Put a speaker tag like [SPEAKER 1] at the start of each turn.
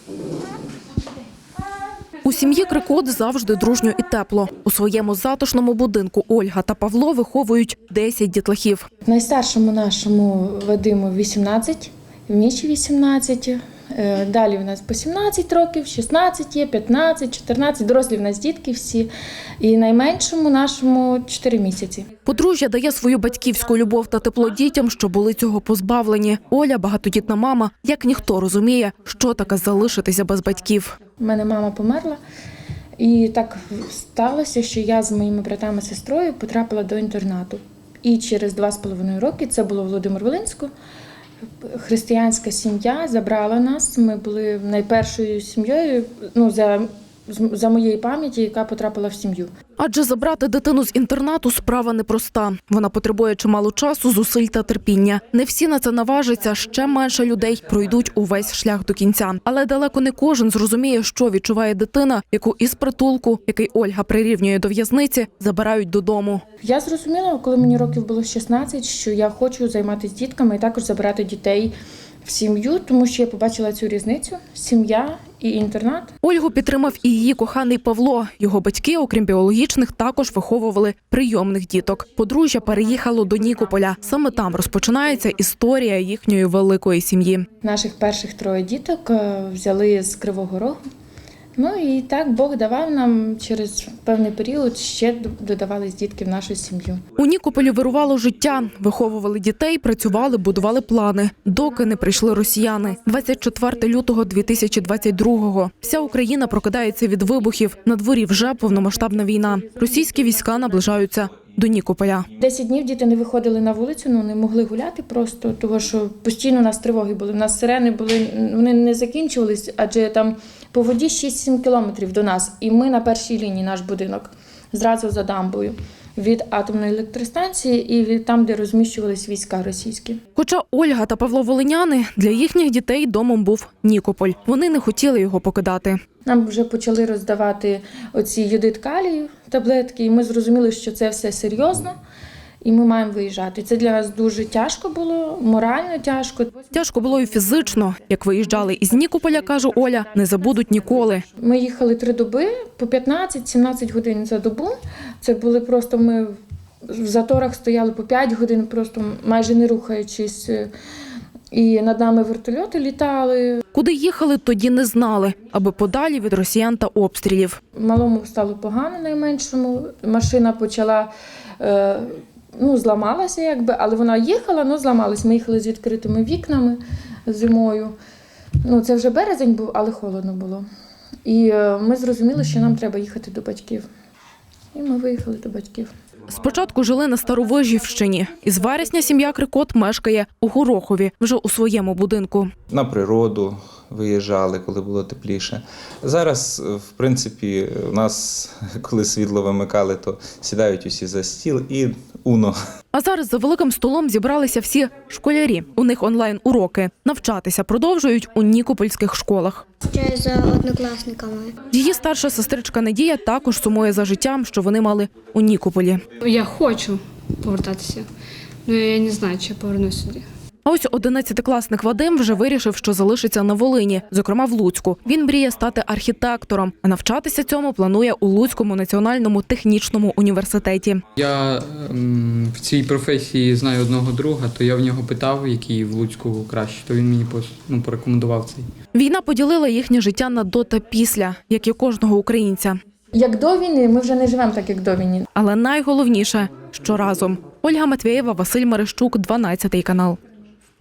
[SPEAKER 1] У сім'ї Крикот завжди дружньо і тепло. У своєму затишному будинку Ольга та Павло виховують 10 дітлахів.
[SPEAKER 2] Найстаршому нашому Вадиму 18, Міші 18. Далі в нас по 17 років, 16 є, 15, 14. Дорослі в нас дітки всі. І найменшому нашому 4 місяці.
[SPEAKER 1] Подружжя дає свою батьківську любов та тепло дітям, що були цього позбавлені. Оля, багатодітна мама, як ніхто розуміє, що таке залишитися без батьків.
[SPEAKER 2] У мене мама померла. І так сталося, що я з моїми братами і сестрою потрапила до інтернату. І через 2,5 роки, це було в Володимир-Волинську, християнська сім'я забрала нас. Ми були найпершою сім'єю, за моєї пам'яті, яка потрапила в сім'ю.
[SPEAKER 1] Адже забрати дитину з інтернату – справа непроста. Вона потребує чимало часу, зусиль та терпіння. Не всі на це наважаться, ще менше людей пройдуть увесь шлях до кінця. Але далеко не кожен зрозуміє, що відчуває дитина, яку із притулку, який Ольга прирівнює до в'язниці, забирають додому.
[SPEAKER 2] Я зрозуміла, коли мені років було 16, що я хочу займатися дітками і також забирати дітей в сім'ю, тому що я побачила цю різницю – сім'я і інтернат.
[SPEAKER 1] Ольгу підтримав і її коханий Павло. Його батьки, окрім біологічних, також виховували прийомних діток. Подружжя переїхало до Нікополя. Саме там розпочинається історія їхньої великої сім'ї.
[SPEAKER 2] Наших перших 3 діток взяли з Кривого Рогу. Ну і так Бог давав нам через певний період, ще додавались дітки в нашу сім'ю.
[SPEAKER 1] У Нікополі вирувало життя. Виховували дітей, працювали, будували плани. Доки не прийшли росіяни. 24 лютого 2022-го. Вся Україна прокидається від вибухів. На дворі вже повномасштабна війна. Російські війська наближаються до Нікополя.
[SPEAKER 2] 10 днів діти не виходили на вулицю, не могли гуляти просто, тому що постійно у нас тривоги були. У нас сирени були, вони не закінчувались, адже там по воді 6-7 кілометрів до нас. І ми на першій лінії, наш будинок, зразу за дамбою. Від атомної електростанції і від там, де розміщувались війська російські.
[SPEAKER 1] Хоча Ольга та Павло Волиняни, для їхніх дітей домом був Нікополь. Вони не хотіли його покидати.
[SPEAKER 2] Нам вже почали роздавати оці йодид калію, таблетки, і ми зрозуміли, що це все серйозно, і ми маємо виїжджати. Це для нас дуже тяжко було, морально тяжко.
[SPEAKER 1] Тяжко було і фізично. Як виїжджали із Нікополя, каже Оля, не забудуть ніколи.
[SPEAKER 2] Ми їхали 3 доби, по 15-17 годин за добу. Це були просто, ми в заторах стояли по 5 годин, просто майже не рухаючись. І над нами вертольоти літали.
[SPEAKER 1] Куди їхали, тоді не знали, аби подалі від росіян та обстрілів.
[SPEAKER 2] Малому стало погано найменшому. Машина почала, зламалася якби, але вона їхала, але зламалась. Ми їхали з відкритими вікнами зимою. Це вже березень був, але холодно було. І ми зрозуміли, що нам треба їхати до батьків. І ми виїхали до батьків.
[SPEAKER 1] Спочатку жили на Старовижівщині. Із вересня сім'я Крикот мешкає у Горохові, вже у своєму будинку.
[SPEAKER 3] На природу виїжджали, коли було тепліше. Зараз, в принципі, у нас, коли світло вимикали, то сідають усі за стіл і уно.
[SPEAKER 1] А зараз за великим столом зібралися всі школярі. У них онлайн-уроки. Навчатися продовжують у нікопольських школах.
[SPEAKER 4] Вчаю за однокласниками.
[SPEAKER 1] Її старша сестричка Надія також сумує за життям, що вони мали у Нікополі.
[SPEAKER 5] Я хочу повертатися, але я не знаю, чи я повернусь сюди.
[SPEAKER 1] А ось 11-класник Вадим вже вирішив, що залишиться на Волині, зокрема в Луцьку. Він мріє стати архітектором, а навчатися цьому планує у Луцькому національному технічному університеті.
[SPEAKER 6] Я в цій професії знаю одного друга, то я в нього питав, який в Луцьку краще, то він мені порекомендував цей.
[SPEAKER 1] Війна поділила їхнє життя на до та після, як і кожного українця.
[SPEAKER 2] Як до війни, ми вже не живемо так, як до війни.
[SPEAKER 1] Але найголовніше, що разом. Ольга Матвєєва, Василь Мерещук, 12 канал.